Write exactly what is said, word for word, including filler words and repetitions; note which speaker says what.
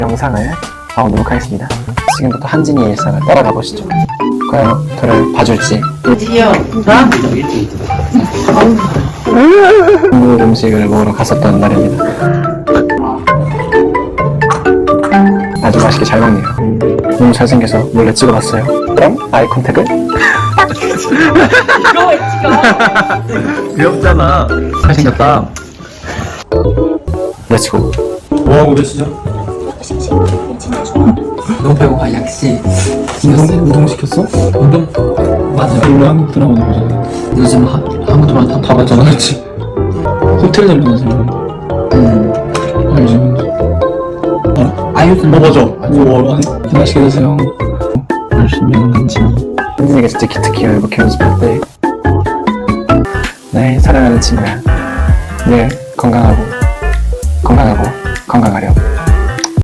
Speaker 1: 영상을 봐오도록 하겠습니다. 지금부터 한진이의 일상을 따라가 보시죠. 과연 저를 봐줄지.
Speaker 2: 드디어 나?
Speaker 1: 한국 음식을 먹으러 갔었던 날입니다. 아주 맛있게 잘 먹네요. 너무 잘생겨서 몰래 찍어봤어요. 그럼 아이 컨택을.
Speaker 2: 이거 왜 찍어?
Speaker 3: 귀엽잖아. 잘생겼다.
Speaker 1: 렛츠고.
Speaker 3: 뭐하고 계시죠?
Speaker 4: 너무 배고파. 약시
Speaker 3: 운동, 운동 시켰어?
Speaker 4: 운동 맞아.
Speaker 3: 원래 한국 드라마도 보잖아.
Speaker 4: 요즘 하, 한국 드라마 다, 다 봤잖아.
Speaker 3: 그렇지. 호텔 내려가서
Speaker 4: 음.
Speaker 3: 알지?
Speaker 4: 아이유도
Speaker 3: 어 맞아. 우와. 맛있게 드세요. 열심히 하는 한진이.
Speaker 1: 한진이가 진짜 기특해요. 이렇게 연습할 때. 네, 사랑하는 친구야. 늘 건강하고 건강하고 건강하렴.